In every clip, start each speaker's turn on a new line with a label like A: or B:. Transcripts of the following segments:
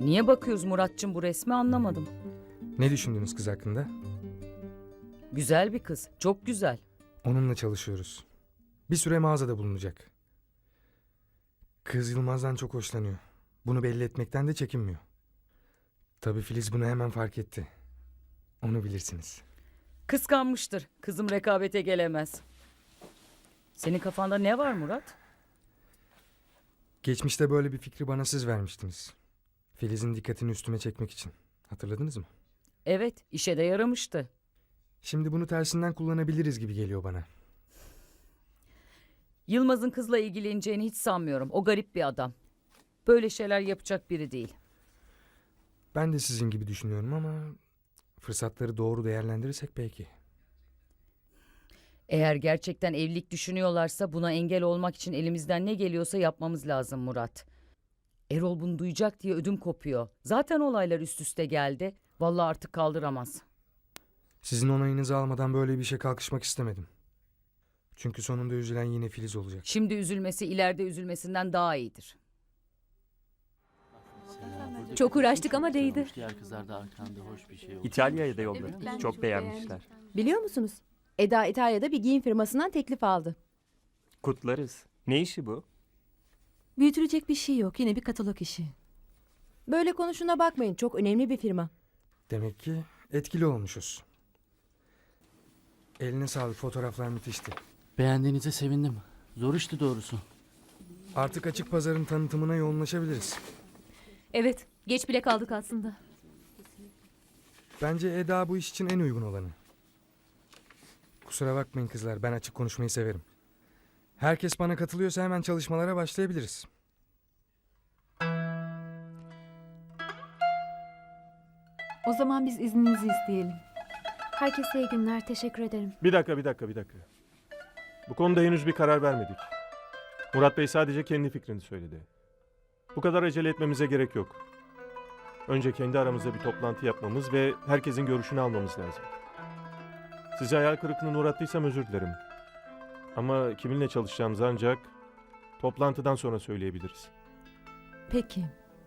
A: Niye bakıyoruz Muratçım bu resmi anlamadım.
B: Ne düşündünüz kız hakkında?
A: Güzel bir kız. Çok güzel.
B: Onunla çalışıyoruz. Bir süre mağazada bulunacak. Kız Yılmaz'dan çok hoşlanıyor. Bunu belli etmekten de çekinmiyor. Tabii Filiz bunu hemen fark etti. Onu bilirsiniz.
A: Kıskanmıştır. Kızım rekabete gelemez. Senin kafanda ne var Murat?
B: Geçmişte böyle bir fikri bana siz vermiştiniz. Filiz'in dikkatini üstüme çekmek için. Hatırladınız mı?
A: Evet, işe de yaramıştı.
B: Şimdi bunu tersinden kullanabiliriz gibi geliyor bana.
A: Yılmaz'ın kızla ilgileneceğini hiç sanmıyorum. O garip bir adam. Böyle şeyler yapacak biri değil.
B: Ben de sizin gibi düşünüyorum ama fırsatları doğru değerlendirirsek belki.
A: Eğer gerçekten evlilik düşünüyorlarsa buna engel olmak için elimizden ne geliyorsa yapmamız lazım Murat. Erol bunu duyacak diye ödüm kopuyor. Zaten olaylar üst üste geldi. Vallahi artık kaldıramaz.
B: Sizin onayınızı almadan böyle bir şey kalkışmak istemedim. Çünkü sonunda üzülen yine Filiz olacak.
A: Şimdi üzülmesi ileride üzülmesinden daha iyidir.
C: Çok uğraştık ama değdi.
D: Diğer kızlar da arkanda hoş bir şey oldu.
E: İtalya'ya da yolladık. Çok beğenmişler.
C: Biliyor musunuz? Eda İtalya'da bir giyim firmasından teklif aldı.
E: Kutlarız. Ne işi bu?
C: Büyütülecek bir şey yok. Yine bir katalog işi. Böyle konuşuna bakmayın. Çok önemli bir firma.
B: Demek ki etkili olmuşuz. Eline sağlık, fotoğraflar müthişti.
D: Beğendiğinize sevindim. Zor işti doğrusu.
B: Artık açık pazarın tanıtımına yoğunlaşabiliriz.
F: Evet, geç bile kaldık aslında.
B: Bence Eda bu iş için en uygun olanı. Kusura bakmayın kızlar, ben açık konuşmayı severim. Herkes bana katılıyorsa hemen çalışmalara başlayabiliriz.
G: O zaman biz izninizi isteyelim. Herkese iyi günler. Teşekkür ederim.
H: Bir dakika. Bu konuda henüz bir karar vermedik. Murat Bey sadece kendi fikrini söyledi. Bu kadar acele etmemize gerek yok. Önce kendi aramızda bir toplantı yapmamız ve herkesin görüşünü almamız lazım. Size hayal kırıklığına uğrattıysam özür dilerim. Ama kiminle çalışacağımızı ancak toplantıdan sonra söyleyebiliriz.
C: Peki.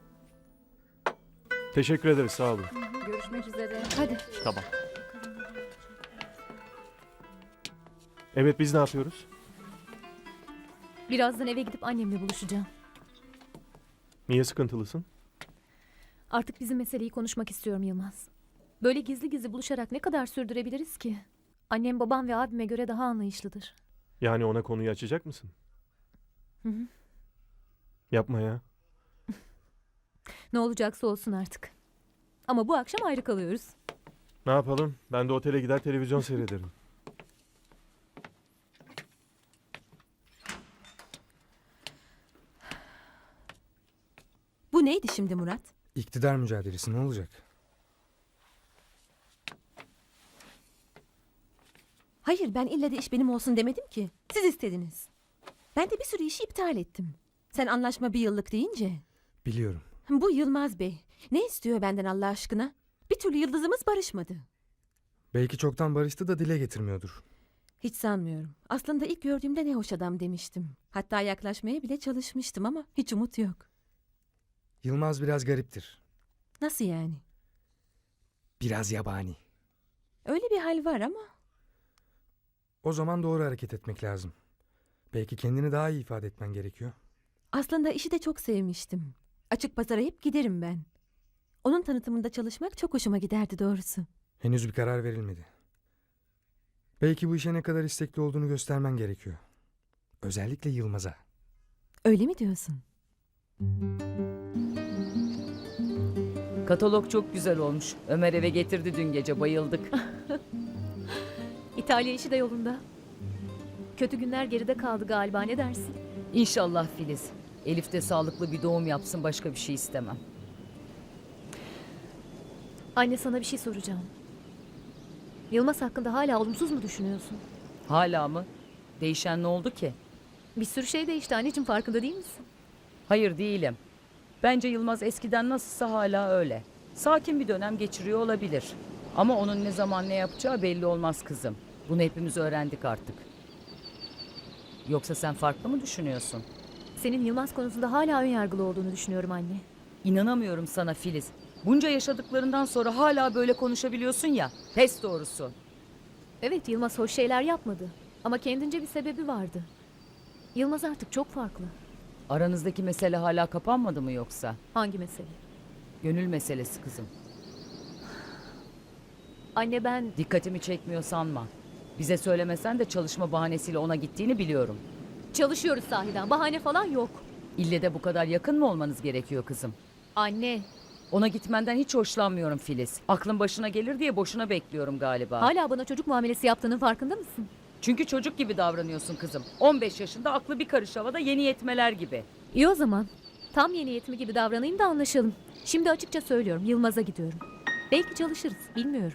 H: Teşekkür ederiz, sağ olun.
G: Görüşmek üzere.
C: Hadi.
E: Tamam.
H: Evet, biz ne yapıyoruz?
F: Birazdan eve gidip annemle buluşacağım.
H: Niye sıkıntılısın?
F: Artık bizim meseleyi konuşmak istiyorum Yılmaz. Böyle gizli gizli buluşarak ne kadar sürdürebiliriz ki? Annem, babam ve abime göre daha anlayışlıdır.
H: Yani ona konuyu açacak mısın?
F: Hı hı.
H: Yapma ya.
F: Ne olacaksa olsun artık. Ama bu akşam ayrı kalıyoruz.
H: Ne yapalım? Ben de otele gider televizyon seyrederim.
C: Bu neydi şimdi Murat?
B: İktidar mücadelesi ne olacak?
C: Hayır, ben ille de iş benim olsun demedim ki. Siz istediniz. Ben de bir sürü işi iptal ettim. Sen anlaşma bir yıllık deyince.
B: Biliyorum.
C: Bu Yılmaz Bey. Ne istiyor benden Allah aşkına? Bir türlü yıldızımız barışmadı.
B: Belki çoktan barıştı da dile getirmiyordur.
C: Hiç sanmıyorum. Aslında ilk gördüğümde ne hoş adam demiştim. Hatta yaklaşmaya bile çalışmıştım ama hiç umut yok.
B: Yılmaz biraz gariptir.
C: Nasıl yani?
B: Biraz yabani.
C: Öyle bir hal var ama.
B: O zaman doğru hareket etmek lazım. Belki kendini daha iyi ifade etmen gerekiyor.
C: Aslında işi de çok sevmiştim. Açık pazara hep giderim ben. Onun tanıtımında çalışmak çok hoşuma giderdi doğrusu.
B: Henüz bir karar verilmedi. Belki bu işe ne kadar istekli olduğunu göstermen gerekiyor. Özellikle Yılmaz'a.
C: Öyle mi diyorsun?
A: Katalog çok güzel olmuş. Ömer eve getirdi dün gece, bayıldık.
F: İtalya işi de yolunda. Kötü günler geride kaldı galiba, ne dersin?
A: İnşallah Filiz. Elif de sağlıklı bir doğum yapsın, başka bir şey istemem.
F: Anne, sana bir şey soracağım. Yılmaz hakkında hala olumsuz mu düşünüyorsun?
A: Hala mı? Değişen ne oldu ki?
F: Bir sürü şey değişti anneciğim, farkında değil misin?
A: Hayır değilim. Bence Yılmaz eskiden nasılsa hala öyle. Sakin bir dönem geçiriyor olabilir. Ama onun ne zaman ne yapacağı belli olmaz kızım. Bunu hepimiz öğrendik artık. Yoksa sen farklı mı düşünüyorsun?
F: Senin Yılmaz konusunda hala ön yargılı olduğunu düşünüyorum anne.
A: İnanamıyorum sana Filiz. Bunca yaşadıklarından sonra hala böyle konuşabiliyorsun ya. Pes doğrusu.
F: Evet, Yılmaz hoş şeyler yapmadı. Ama kendince bir sebebi vardı. Yılmaz artık çok farklı.
A: Aranızdaki mesele hala kapanmadı mı yoksa?
F: Hangi mesele?
A: Gönül meselesi kızım.
F: Anne ben...
A: Dikkatimi çekmiyor sanma. Bize söylemesen de çalışma bahanesiyle ona gittiğini biliyorum.
F: Çalışıyoruz sahiden. Bahane falan yok.
A: İlle de bu kadar yakın mı olmanız gerekiyor kızım?
F: Anne,
A: Ona gitmenden hiç hoşlanmıyorum Filiz. Aklın başına gelir diye boşuna bekliyorum galiba.
F: hala bana çocuk muamelesi yaptığının farkında mısın?
A: Çünkü çocuk gibi davranıyorsun kızım. 15 yaşında aklı bir karış havada yeni yetmeler gibi.
F: İyi o zaman. Tam yeni yetimi gibi davranayım da anlaşalım. Şimdi açıkça söylüyorum. Yılmaz'a gidiyorum. Belki çalışırız. Bilmiyorum.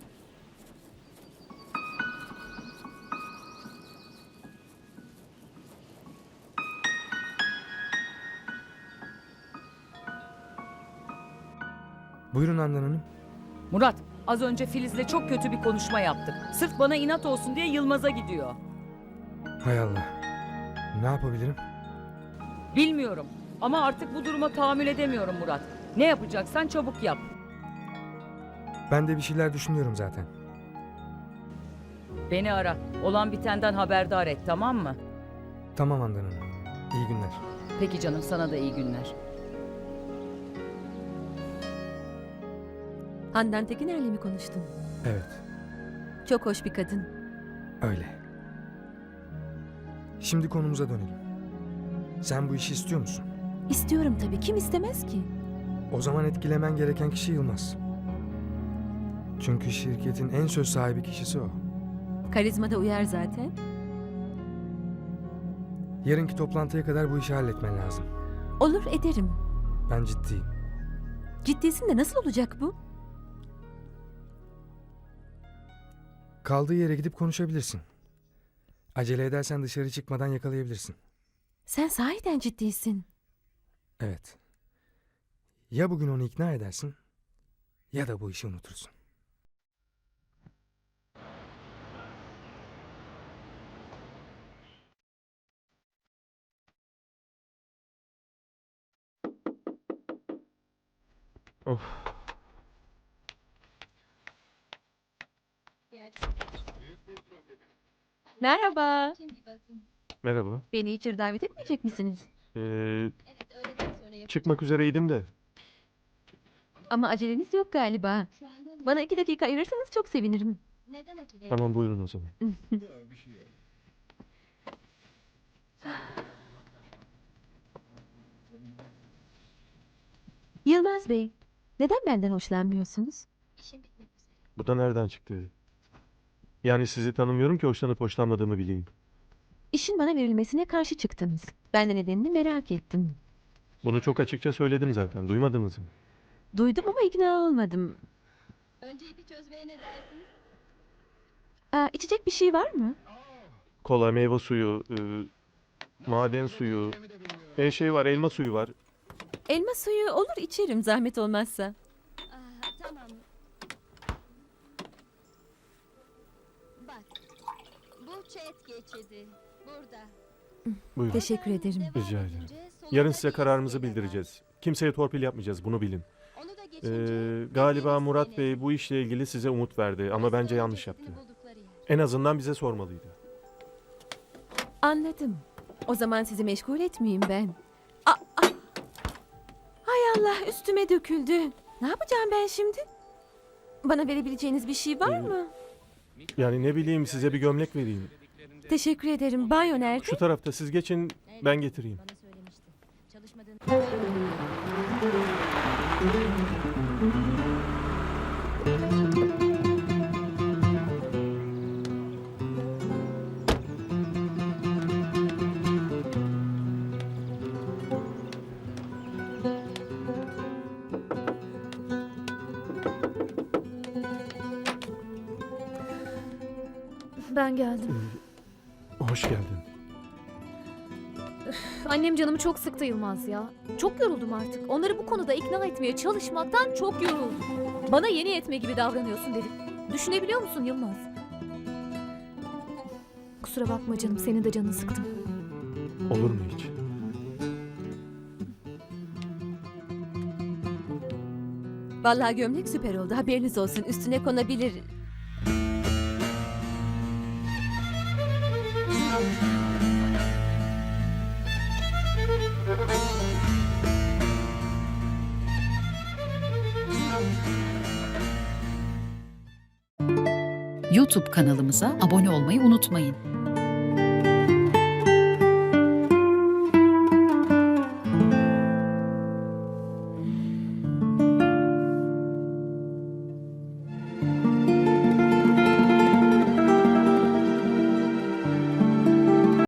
B: Buyurun Handan Hanım.
A: Murat, az önce Filiz'le çok kötü bir konuşma yaptık. Sırf bana inat olsun diye Yılmaz'a gidiyor.
B: Hay Allah. Ne yapabilirim?
A: Bilmiyorum ama artık bu duruma tahammül edemiyorum Murat. Ne yapacaksan çabuk yap.
B: Ben de bir şeyler düşünüyorum zaten.
A: Beni ara. Olan bitenden haberdar et, tamam mı?
B: Tamam Handan Hanım. İyi günler.
A: Peki canım, sana da iyi günler.
C: Handan Tekiner'le mi konuştun?
B: Evet,
C: Çok hoş bir kadın.
B: öyle. Şimdi konumuza dönelim. Sen bu işi istiyor musun?
C: İstiyorum tabii. Kim istemez ki?
B: O zaman etkilemen gereken kişi Yılmaz. Çünkü şirketin en söz sahibi kişisi o.
C: Karizma da uyar zaten.
B: Yarınki toplantıya kadar bu işi halletmen lazım.
C: Olur, ederim.
B: Ben ciddiyim.
C: Ciddisin de nasıl olacak bu?
B: Kaldığı yere gidip konuşabilirsin. Acele edersen dışarı çıkmadan yakalayabilirsin.
C: Sen sahiden ciddisin.
B: Evet. Ya bugün onu ikna edersin ya da bu işi unutursun.
H: Of.
C: Merhaba.
H: Merhaba.
C: Beni içeri davet etmeyecek misiniz?
H: Çıkmak üzereydim de.
C: Ama aceleniz yok galiba. Bana 2 dakika ayırırsanız çok sevinirim.
H: Tamam, buyurun o zaman.
C: Yılmaz Bey, neden benden hoşlanmıyorsunuz?
H: Bu da nereden çıktı? Yani sizi tanımıyorum ki hoşlanıp hoşlanmadığımı bileyim.
C: İşin bana verilmesine karşı çıktınız. Ben de nedenini merak ettim.
H: Bunu çok açıkça söyledim zaten. Duymadınız mı?
C: Duydum ama ikna olmadım.
I: Önce bir çözmeye ne dersiniz?
C: İçecek bir şey var mı?
H: Kola, meyve suyu, maden suyu, şey var, elma suyu var.
C: Elma suyu olur, içerim zahmet olmazsa.
I: Tamam. Bak. Bu chat geçidi. Burada.
H: Buyurun.
C: Teşekkür ederim.
H: Rica ederim. Yarın size kararımızı bildireceğiz. Kimseye torpil yapmayacağız, bunu bilin.
I: Onu da geçince
H: Galiba Murat Bey bu işle ilgili size umut verdi ama bence yanlış yaptı. En azından bize sormalıydı.
C: Anladım. O zaman sizi meşgul etmeyeyim ben. Hay Allah, üstüme döküldü. Ne yapacağım ben şimdi? Bana verebileceğiniz bir şey var mı?
H: Yani ne bileyim, size bir gömlek vereyim.
C: Teşekkür ederim. Banyo nerede?
H: Şu tarafta, siz geçin, ben getireyim.
I: bana söylemişti. Çalışmadığını
F: Ben geldim.
H: Hoş geldin.
F: Annem canımı çok sıktı Yılmaz ya. Çok yoruldum artık. Onları bu konuda ikna etmeye çalışmaktan çok yoruldum. Bana yeni yetme gibi davranıyorsun dedim. Düşünebiliyor musun Yılmaz? Kusura bakma canım, senin de canını sıktım.
H: Olur mu hiç?
C: Vallahi gömlek süper oldu. Haberiniz olsun. Üstüne konabilir.
J: YouTube kanalımıza abone olmayı unutmayın.